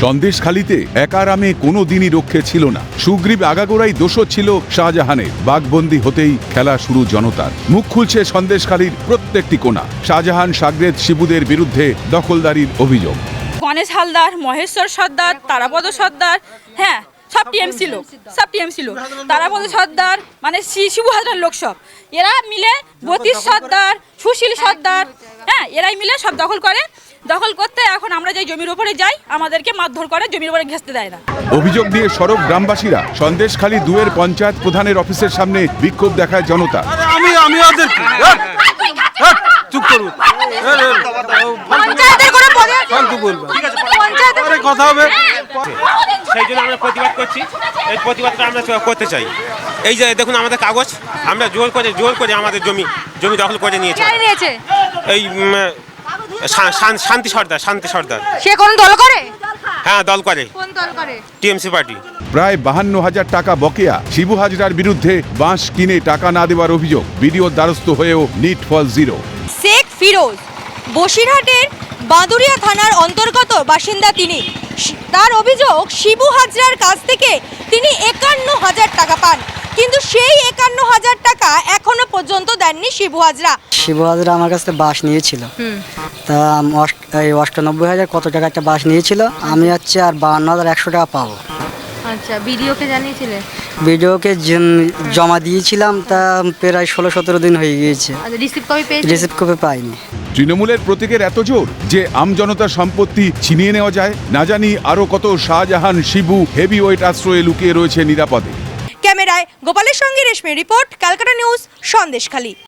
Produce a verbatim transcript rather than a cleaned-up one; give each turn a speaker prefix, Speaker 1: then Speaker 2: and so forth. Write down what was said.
Speaker 1: সন্দেশখালিতে একারামে কোনো দিনই রক্ষে ছিল না। সুগ্রীব আগাগোড়াই দোষর ছিল শাহজাহানের। বাঘবন্দি হতেই খেলা শুরু জনতার। মুখ খুলছে সন্দেশখালির প্রত্যেকটি কোণা। শাহজাহান সাগরেদ শিবুদের বিরুদ্ধে দখলদারির অভিযোগ।
Speaker 2: গণেশ হালদার, মহেশ্বর সর্দার, তারাপদ সর্দার, হ্যাঁ সব টিএমসি লোক, সব টিএমসি লোক। তারাপদ সর্দার মানে শিবু হাজরার লোক সব। এরা মিলে বতীশ সর্দার, সুশীল সর্দার, হ্যাঁ এরাই মিলে সব দখল করে। দখল করতে এখন আমরা যাই জমির উপরে যাই, আমাদেরকে মারধর করে, জমির উপরে ঘেঁচতে দেয় না।
Speaker 1: অভিযোগ দিয়ে সরব গ্রামবাসীরা। সন্দেশখালি দুয়ের পঞ্চায়েত প্রধানের অফিসের সামনে বিক্ষোভ দেখায় জনতা।
Speaker 3: আমি আমি ওদের চুপ করুন, কথা হবে।
Speaker 4: সেই জন্য আমরা প্রতিবাদ করছি। এই প্রতিবাদটা আমরা করতে চাই। এই যে দেখুন আমাদের কাগজ, আমরা জোর করে জোর করে আমাদের জমি জমি দখল করে নিয়েছি। এই শান্তি সর্দার শান্তি সর্দার
Speaker 5: সে কোন দল করে?
Speaker 4: হ্যাঁ দল করে।
Speaker 5: কোন দল করে?
Speaker 4: TMC party.
Speaker 1: প্রায় বাহান্ন হাজার টাকা বকেয়া শিবু হাজরার বিরুদ্ধে বাঁশ কিনে টাকা না দেওয়ার অভিযোগ। বিডিওর দ্বারস্থ হয়েও নিট ফল জিরো।
Speaker 5: শেখ ফিরোজ বসিরহাটের বাঁদুরিয়া থানার অন্তর্গত বাসিন্দা তিনি। তার অভিযোগ শিবু হাজরার কাছ থেকে তিনি একান্ন হাজার টাকা পান, কিন্তু সেই একান্ন হাজার টাকা এখনো পর্যন্ত দেননি শিবু হাজরা।
Speaker 6: শিবু হাজরা আমার কাছ থেকে বাস নিয়েছিল, তা এই অষ্টানব্বই হাজার কত টাকা একটা বাস নিয়েছিল। আমি হচ্ছে আর বাহান্ন হাজার একশো টাকা পাবো।
Speaker 5: আচ্ছা, বিডিওকে জানিয়েছিলে?
Speaker 6: বিডিওকে জমা দিয়েছিলাম, তা প্রায় ষোলো সতেরো দিন হয়ে গিয়েছে।
Speaker 5: রিসিপ্ট কপি পেয়েছি?
Speaker 6: রিসিপ্ট কপি পাইনি।
Speaker 1: তৃণমূলের প্রতীকের এত জোর যে আমজনতার সম্পত্তি ছিনিয়ে নেওয়া যায়। না জানি আরো কত শাহজাহান শিবু হেভি ওয়েট আশ্রয়ে লুকিয়ে রয়েছে নিরাপদে।
Speaker 5: ক্যামেরায় গোপালের সঙ্গে রেশমি রিপোর্ট, ক্যালকাটা নিউজ, সন্দেশখালী।